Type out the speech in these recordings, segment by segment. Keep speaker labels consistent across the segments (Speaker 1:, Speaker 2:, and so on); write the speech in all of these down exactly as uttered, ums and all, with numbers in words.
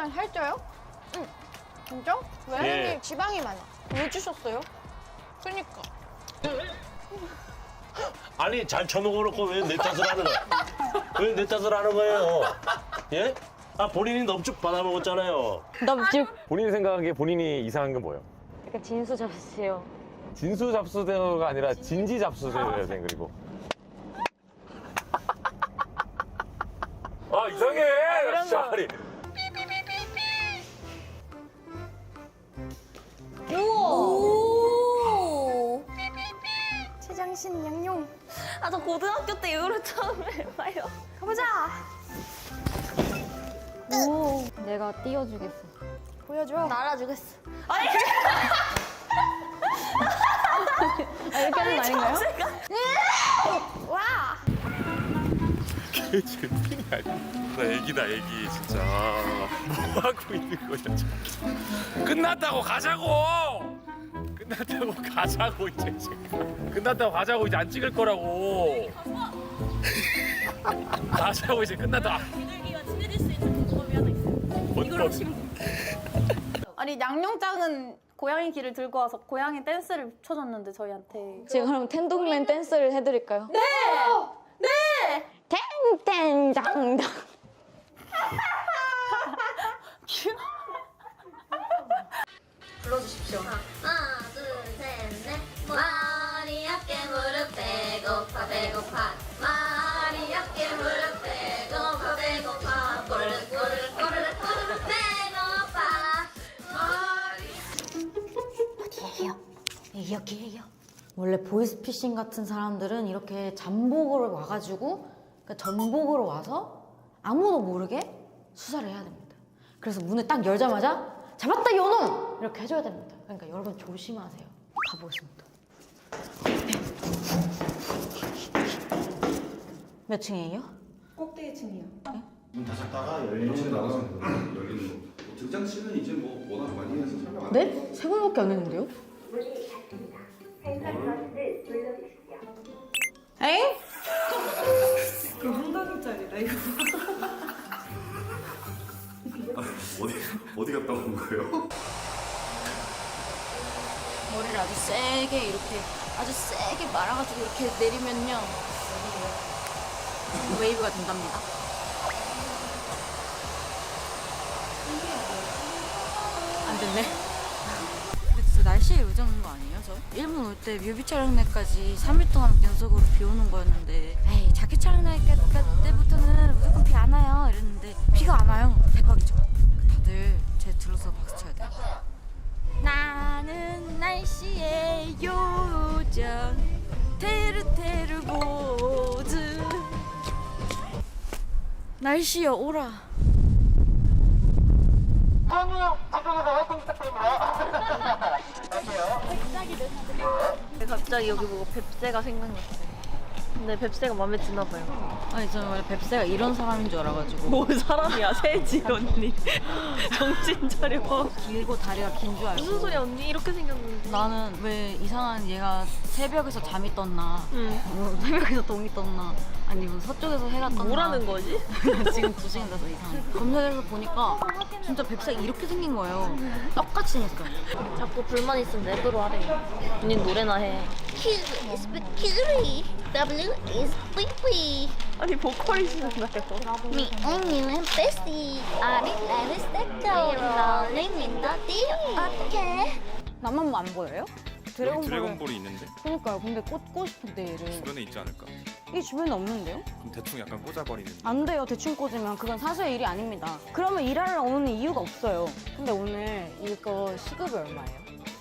Speaker 1: 약간 살쪄요? 응. 진짜? 왜?
Speaker 2: 예.
Speaker 1: 지방이 많아. 왜 주셨어요? 그니까.
Speaker 2: 아니 잘 쳐먹어놓고 왜 내 탓을 하는 거야? 왜 내 탓을 하는 거예요? 예? 아 본인이 넙죽 받아먹었잖아요.
Speaker 1: 넙죽.
Speaker 3: 본인이 생각하기에 본인이 이상한 건 뭐예요?
Speaker 1: 약간 진수 잡으세요.
Speaker 3: 진수 잡수대가 아니라 진지 잡수대요, 생 그리고. 아 이상해.
Speaker 1: 이런 거.
Speaker 3: 아니.
Speaker 4: 오!
Speaker 1: 최장신 양용.
Speaker 4: 아, 저 고등학교 때 이후로 처음 해봐요.
Speaker 1: 가보자.
Speaker 4: 오.
Speaker 1: 내가 띄워주겠어. 보여줘.
Speaker 4: 날아주겠어.
Speaker 1: 아, 이렇게 하는 거 아닌가요? 와.
Speaker 3: 걔 제품이 아니야. 나 애기다 애기 진짜. 뭐 하고 있는 거야 지금. 끝났다고 가자고. 끝났다고 가자고 이제 지금. 끝났다고 가자고 이제 안 찍을 거라고. 가자고 이제 끝났다.
Speaker 4: 비둘기와 친해질 수 있는 방법이 하나 있어요. 이걸로 치면
Speaker 5: 아니 양용장은 고양이 귀를 들고 와서 고양이 댄스를 춰줬는데 저희한테.
Speaker 1: 제가 그럼 텐동맨 댄스를 해드릴까요?
Speaker 5: 네! 네!
Speaker 1: 땡땡장당.
Speaker 4: 불러주십시오. 하나, 둘, 셋, 넷. 머리 어깨 무릎 배고파 배고파. 머리 어깨 무릎 배고파 배고파. 꼬르륵 꼬르륵 꼬르륵 꼬르륵 배고파. 머리.
Speaker 6: 여기에요. 원래 보이스피싱 같은 사람들은 이렇게 잠복으로 와가지고 그러니까 전복으로 와서 아무도 모르게 수사를 해야 됩니다. 그래서 문을 딱 열자마자 잡았다 요놈! 이렇게 해줘야 됩니다. 그러니까 여러분 조심하세요. 가보겠습니다. 몇 층이에요?
Speaker 5: 꼭대기층이요.
Speaker 7: 문 닫았다가 열리는 나가서 열리는 거. 등장 씬은 이제 뭐 워낙 많이 해서 설명 안
Speaker 6: 네? 세 번밖에 안 했는데요? 엥?
Speaker 5: 그 한강짜리다 이거.
Speaker 7: 어디 어디 갔다 온 거예요?
Speaker 6: 머리를 아주 세게 이렇게 아주 세게 말아가지고 이렇게 내리면요 웨이브가 된답니다. 안 됐네. 근데 진짜 날씨에 요정인 거 아니에요, 저? 일본 올 때 뮤비 촬영날까지 삼 일 동안 연속으로 비 오는 거였는데 에이 자켓 촬영날 때부터는 무조건 비 안 와요 이랬는데 비가 안 와요. 대박이죠. 다들 제 들어서 박수 쳐야 돼요. 나는 날씨의 요정 테르테르 보즈 날씨여 오라.
Speaker 4: 갑자기 여기 보고 뱁새가 생각났어요. 근데 뱁새가 마음에 드나 봐요.
Speaker 6: 아니 저는 원래 뱁새가 이런 사람인 줄 알아가지고
Speaker 4: 뭐 사람이야, 새지 언니. 정신 차려.
Speaker 6: 길고 다리가 긴 줄 알고
Speaker 4: 무슨 소리야 언니, 이렇게 생겼는데.
Speaker 6: 나는 왜 이상한 얘가 새벽에서 잠이 떴나
Speaker 4: 응.
Speaker 6: 뭐 새벽에서 동이 떴나 아니 뭐 서쪽에서 해가 떴나
Speaker 4: 뭐라는 거지?
Speaker 6: 지금 두 시간 돼서 이상해. 검색해서 보니까 진짜 뱁새가 이렇게 생긴 거예요. 똑같이 생겼어요.
Speaker 4: 자꾸 불만 있으면 랩으로 하래. 언니 노래나 해. Q is victory. W is free. 아니 보컬이시잖아요.
Speaker 8: Me and you and bestie are in love with the girl rolling in the deep. 어떡해?
Speaker 1: 나만 뭐 안 보여요?
Speaker 9: 여기 드래곤볼이 있는데
Speaker 1: 그러니까요. 근데 꽂고 싶은데 얘를.
Speaker 9: 주변에 있지 않을까?
Speaker 1: 이 주변에 없는데요?
Speaker 9: 그럼 대충 약간 꽂아버리는.
Speaker 1: 안 돼요. 대충 꽂으면 그건 사수의 일이 아닙니다. 그러면 일하러 오는 이유가 없어요. 근데 오늘 이거 시급이 얼마예요?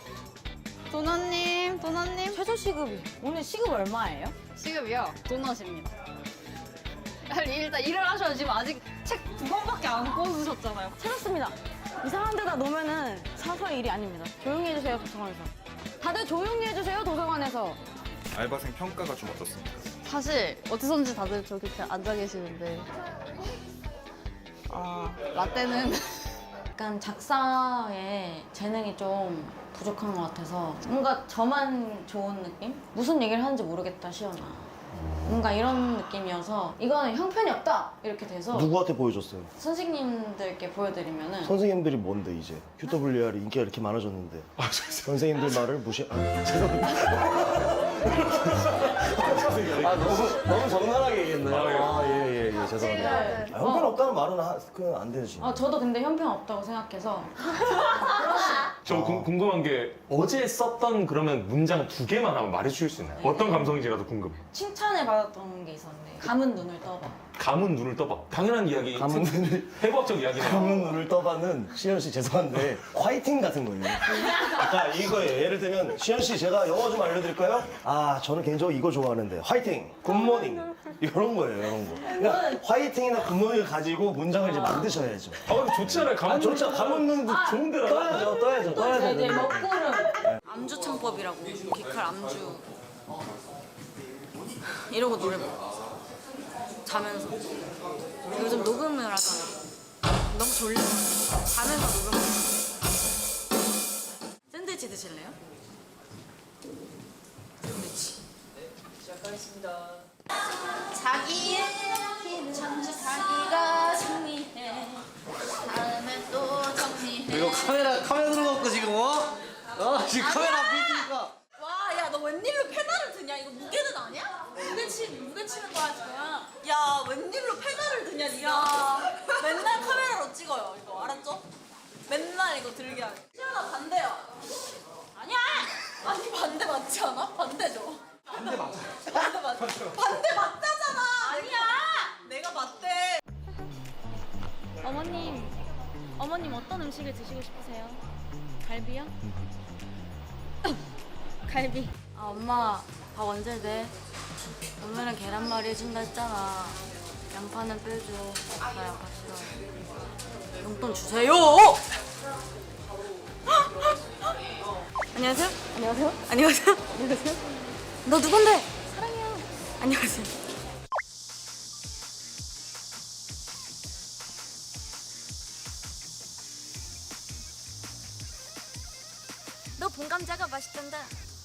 Speaker 5: 도넛님, 도넛님.
Speaker 1: 최저 시급이. 오늘 시급 얼마예요?
Speaker 5: 시급이요? 도넛입니다. 아니 일단 일을 하셔야 지금 아직 책 두 권밖에 안 꽂으셨잖아요.
Speaker 1: 찾았습니다. 이상한 데다 놓으면은 사수의 일이 아닙니다. 조용히 해주세요, 도서관에서. 다들 조용히 해주세요, 도서관에서.
Speaker 9: 알바생 평가가 좀 어떻습니까?
Speaker 5: 사실 어디선지 다들 저기 이렇게 앉아 계시는데 아 라떼는
Speaker 6: 약간 작사에 재능이 좀 부족한 것 같아서 뭔가 저만 좋은 느낌? 무슨 얘기를 하는지 모르겠다 시연아.
Speaker 1: 뭔가 이런 느낌이어서 이거는 형편이 없다 이렇게 돼서
Speaker 10: 누구한테 보여줬어요?
Speaker 1: 선생님들께 보여드리면은
Speaker 10: 선생님들이 뭔데 이제 큐더블유알이 인기가 이렇게 많아졌는데 선생님들 말을 무시... 아, 죄송합니다. 아, 너무, 너무 적나라하게 얘기했나요? 아, 예, 예, 예, 죄송합니다.
Speaker 1: 네.
Speaker 10: 아, 형편 없다는 말은 하, 그건 안 되지.
Speaker 1: 아, 저도 근데 형편 없다고 생각해서
Speaker 3: 좀 궁- 궁금한 게 어제 썼던 그러면 문장 두 개만 한번 말해주실 수 있나요? 어떤 감성인지라도 궁금해.
Speaker 1: 칭찬을 받았던 게 있었는데 감은 눈을 떠봐.
Speaker 3: 감은 눈을 떠봐. 당연한 이야기.
Speaker 10: 감은 눈을,
Speaker 3: 해부학적 이야기네요.
Speaker 10: 감은 눈을 떠봐는 시현 씨 죄송한데 화이팅 같은 거예요. 아까 이거예요. 예를 들면 시현 씨 제가 영어 좀 알려드릴까요? 아 저는 개인적으로 이거 좋아하는데 화이팅, 굿모닝 이런 거예요. 이런 거. 그러니까 화이팅이나 굿모닝을 가지고 문장을 이제 만드셔야죠.
Speaker 3: 아 근데 좋지 않아요? 감은
Speaker 10: 아 좋죠. 감은 눈도
Speaker 3: 좋은데라.
Speaker 10: 떠야죠. 떠야죠. 떠야
Speaker 1: 이제
Speaker 10: 되는데.
Speaker 1: 먹구름.
Speaker 6: 암주 창법이라고 기칼 암주 이러고 노래 불러. 자면서 요즘 녹음을 하잖아. 너무 졸리면 자면서 녹음을 해. 샌드위치 드실래요? 샌드위치.
Speaker 4: 자기의 키는 자기가 정리해 다음에 또 정리해
Speaker 11: 이거 카메라 카메라 들어갖고 지금 어? 어 지금 카메라 앞에 있으니까
Speaker 4: 와, 야, 너 웬일로 페달을 드냐? 이거 무게는 아니야? 무게 치, 무게 치는 거야, 지금. 야, 웬일로 페달을 드냐, 니가? 맨날 카메라로 찍어요, 이거. 알았죠? 맨날 이거 들게 하네. 시연아, 반대야. 아니야! 아니, 반대 맞지 않아? 반대죠? 반대 맞아. 반대 맞 반대 맞다잖아! 아니야! 내가 맞대.
Speaker 1: 어머님, 어머님 어떤 음식을 드시고 싶으세요? 갈비요? 갈비.
Speaker 6: 아 엄마 밥 언제 돼? 오늘은 계란말이 해준다 했잖아. 양파는 빼줘. 나 양파 싫어. 용돈 주세요. 안녕하세요.
Speaker 1: 안녕하세요.
Speaker 6: 안녕하세요.
Speaker 1: 안녕하세요.
Speaker 6: 너 누군데?
Speaker 1: 사랑해요.
Speaker 6: 안녕하세요. 너 본감자가 맛있단다.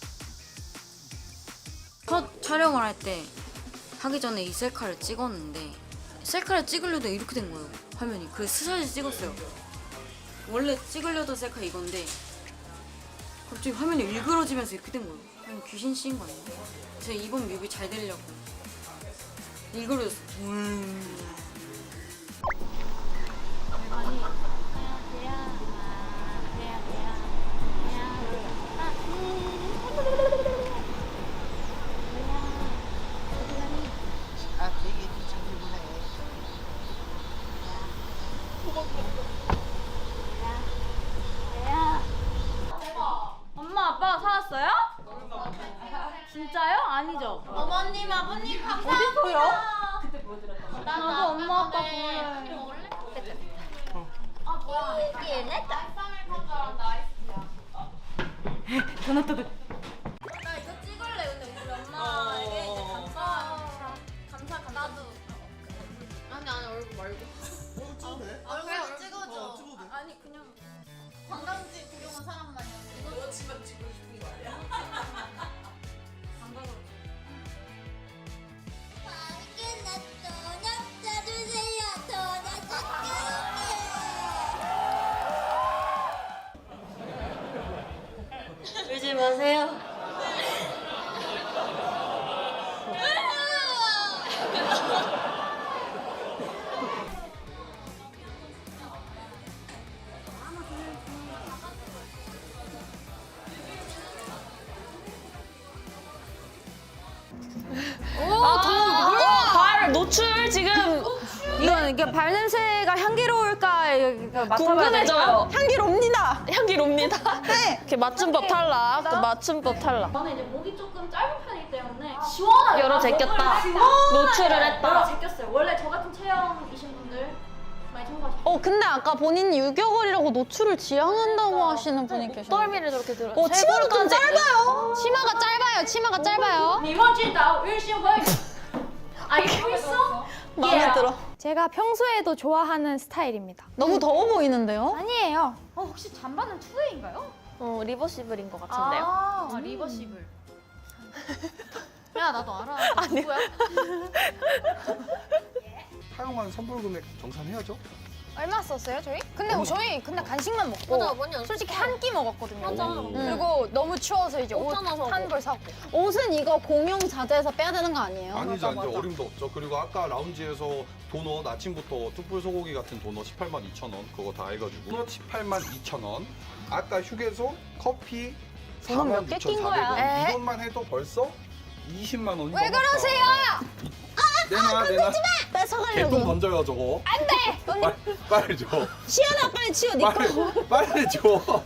Speaker 6: 첫 촬영을 할 때 하기 전에 이 셀카를 찍었는데 셀카를 찍으려다 이렇게 된 거예요. 화면이. 그래서 스샷을 찍었어요. 원래 찍으려던 셀카 이건데 갑자기 화면이 일그러지면서 이렇게 된 거예요. 아니 귀신 씌인 거 아니에요? 제가 이번 뮤비 잘 되려고 일그러졌어. 음.
Speaker 1: 엄마 아빠가 사왔어요? 진짜요? 아니죠?
Speaker 4: 어머님, 아버님, 감사합니다.
Speaker 1: 어딨어요?
Speaker 4: 그때 보여드렸던
Speaker 1: 나도 엄마 아빠 보여요.
Speaker 4: 아, 뭐야.
Speaker 1: 전화 떠들.
Speaker 4: 나 이거 찍을래. 근데 우리 엄마에게 이제 감사, 감사, 감사. 나도. 아니, 아니, 얼굴 말고. 얼굴 찍어줘. 아니, 그냥 관광지 구경한 사람만이야. 이거 여친만 찍고 싶은 거 아니야? 관광으로.
Speaker 6: 울지 마세요.
Speaker 5: 발 노출 지금
Speaker 1: 이건 이게 발 냄새가 향기로울까 이거 맡아봐야
Speaker 5: 궁금해져요.
Speaker 1: 될까?
Speaker 5: 향기롭니다. 향기롭니다. 네. 이렇게 맞춤법 탈락. 또 맞춤법 탈락.
Speaker 1: 저는 이제 목이 조금 짧은 편이기 때문에 시원하게
Speaker 5: 열어 제꼈다. 노출을 했다.
Speaker 1: 열어 제꼈어요. 원래 저 같은 체형이신 분들 많이 참고하시죠.
Speaker 5: 어 근데 아까 본인이 유격을이라고 노출을 지향한다고 하시는 분이 계셨는데
Speaker 1: 떨미를 저렇게 들어.
Speaker 5: 어 치마가 좀 짧아요. 치마가 짧아요. 치마가 짧아요.
Speaker 1: 你忘记打微信会 알고 있어?
Speaker 5: 마음에 들어.
Speaker 12: 제가 평소에도 좋아하는 스타일입니다.
Speaker 5: 너무 더워 보이는데요?
Speaker 12: 아니에요.
Speaker 1: 어, 혹시 잠바는 투웨이인가요?
Speaker 5: 어 리버시블인 것 같은데요.
Speaker 1: 아, 리버시블.
Speaker 5: 야 나도 알아. 누구야?
Speaker 7: 사용한 선불 금액 정산해야죠.
Speaker 12: 얼마 썼어요 저희? 근데
Speaker 7: 얼마?
Speaker 12: 저희 근데 간식만 먹고
Speaker 4: 맞아, 완전
Speaker 12: 솔직히 한 끼 먹었거든요.
Speaker 4: 맞아.
Speaker 12: 음. 그리고 너무 추워서 이제 옷
Speaker 4: 옷 하나 사고.
Speaker 12: 한 벌 사고.
Speaker 5: 옷은 이거 공용 자재에서 빼야 되는 거 아니에요?
Speaker 7: 아니죠, 이제 어림도 없죠. 그리고 아까 라운지에서 도넛 아침부터 뚝불 소고기 같은 도넛 십팔만 이천 원 그거 다 해가지고 도넛 십팔만 이천 원. 아까 휴게소 커피
Speaker 1: 도넛
Speaker 7: 사만
Speaker 1: 몇개
Speaker 7: 육천
Speaker 1: 낀
Speaker 7: 사백
Speaker 1: 거야?
Speaker 7: 원.
Speaker 12: 에?
Speaker 7: 이것만 해도 벌써 이십만 원이
Speaker 12: 왜
Speaker 7: 넘었다.
Speaker 12: 그러세요?
Speaker 7: 내놔 내놔.
Speaker 5: 뺏어가려고.
Speaker 7: 개똥 던져요 저거.
Speaker 12: 안 돼!
Speaker 7: 빨리, 빨리 줘.
Speaker 5: 시연아 빨리 치워 네 거.
Speaker 7: 빨리, 빨리 줘.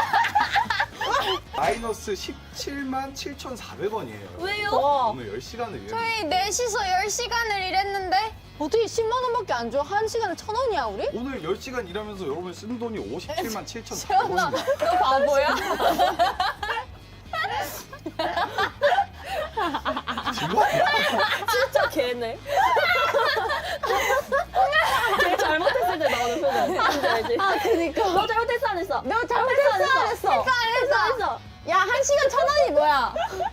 Speaker 7: 마이너스 십칠만 칠천사백 원이에요.
Speaker 5: 왜요?
Speaker 7: 오늘 열 시간을 위해.
Speaker 12: 저희 넷이서 열 시간을 일했는데
Speaker 5: 어떻게 십만 원밖에 안 줘? 한 시간에 천 원이야 우리?
Speaker 7: 오늘 열 시간 일하면서 여러분 쓴 돈이 오십칠만 칠천사백
Speaker 12: 시연아,
Speaker 7: 원입니다.
Speaker 12: 너 바보야?
Speaker 1: 진짜 개네. 제일 잘못했을 때 나오는 표정. 뭔지 알지?
Speaker 5: 아 그니까.
Speaker 1: 너 잘못했어 안 했어?
Speaker 5: 너 잘못했어 안 했어?
Speaker 12: 했어 안 했어?
Speaker 5: 야 한 시간 천 원이 뭐야?